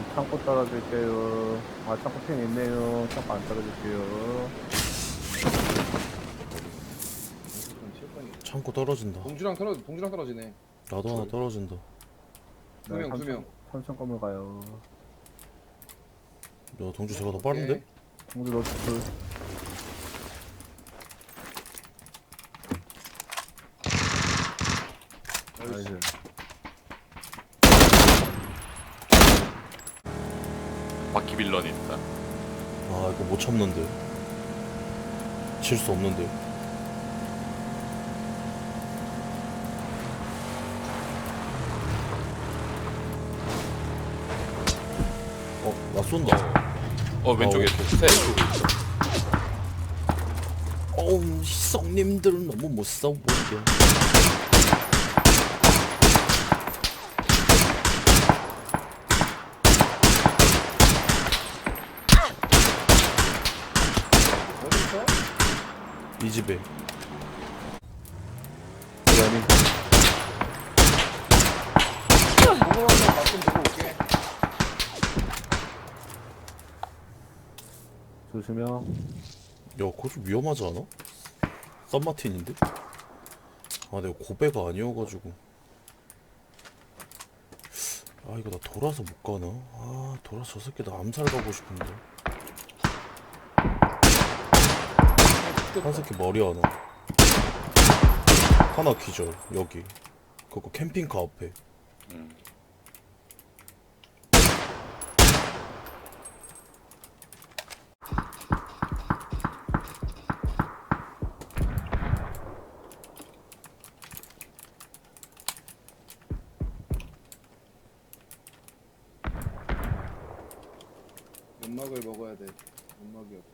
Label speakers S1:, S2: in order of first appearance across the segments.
S1: 창고 떨어질게요. 아, 창고 핀 있네요. 창고 안 떨어질게요.
S2: 창고 떨어진다.
S3: 동주랑 떨어지네.
S2: 나도 하나 떨어진다.
S3: 두 명.
S1: 삼천 건물 가요.
S2: 야, 동주 제가 더 빠른데?
S1: 동주 노트 둘. 나이스.
S4: 바퀴 빌런이 있다.
S2: 아, 이거 못 참는데. 질 수 없는데. 나 쏜다.
S4: 왼쪽에 새.
S2: 어우, 시성님들 너무 못 싸우게. 이 집에.
S1: 연이.
S3: 공을 한번 가끔 보고 올게.
S1: 조심해요.
S2: 야, 그거 좀 위험하지 않아? 썸마틴인데? 아, 내가 고배가 아니어가지고. 아, 이거 나 돌아서 못 가나? 아, 돌아서 저 새끼 나 암살 가고 싶은데. 한 새끼 머리 하나. 하나 기절, 여기. 그거 캠핑카 앞에.
S3: 연막을 먹어야 돼. 연막이 없어.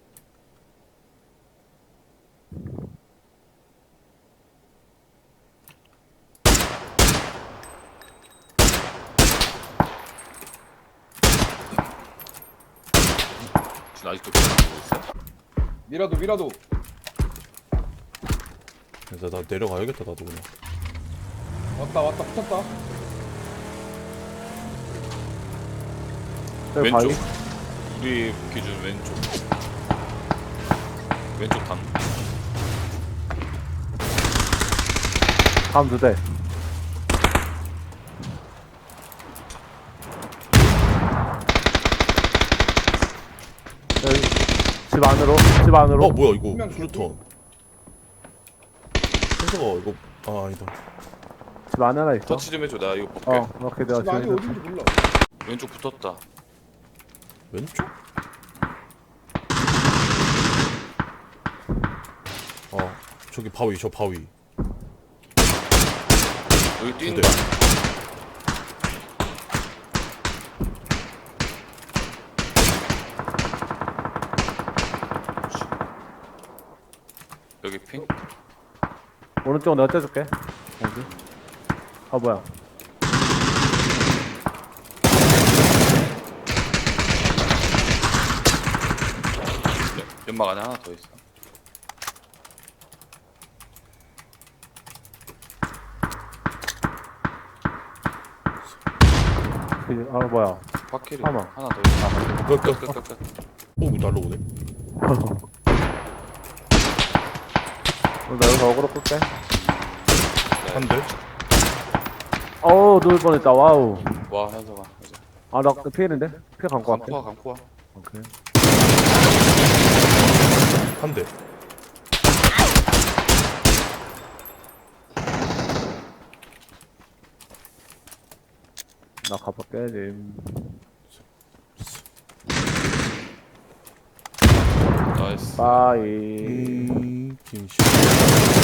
S4: 지금 아직도 계속 보고 있어?
S3: 미라도.
S2: 나 내려가야겠다, 나도 그냥.
S3: 왔다 붙었다.
S1: 저기
S4: 왼쪽.
S1: 바위.
S4: 우리 기준 왼쪽. 왼쪽 단.
S1: 다음 두 대. 여기 집 안으로.
S2: 뭐야, 이거.
S3: 분명
S2: 플루턴. 현서가 이거, 아니다.
S1: 집 안에 하나 있어.
S4: 터치 좀 해줘. 나 이거 볼게.
S1: 오케이, 내가
S3: 집 안이
S1: 지금
S3: 어딘지 몰라.
S4: 왼쪽 붙었다.
S2: 왼쪽? 저기 바위, 저 바위.
S4: 여기
S2: 두
S4: 뛰는
S2: 대.
S4: 거. 여기 핑?
S1: 오른쪽 내가 째줄게. 어디? 아, 뭐야.
S4: 연막 안에 하나 더 있어.
S1: 뭐야.
S4: 바퀴리
S1: 하나.
S4: 하나 더 있어.
S2: 끝. 오, 날라오네.
S1: 나 여기서 어그로 끌게.
S2: 한 대.
S1: 누울 뻔했다. 와우.
S4: 와 현서가 이제
S1: 나 피해는데? 피해 간거 같아.
S4: 감코야.
S1: 오케이.
S2: 한 대.
S1: 나 가볼게, 님.
S4: 나이스.
S1: 빠이.
S2: 김씨.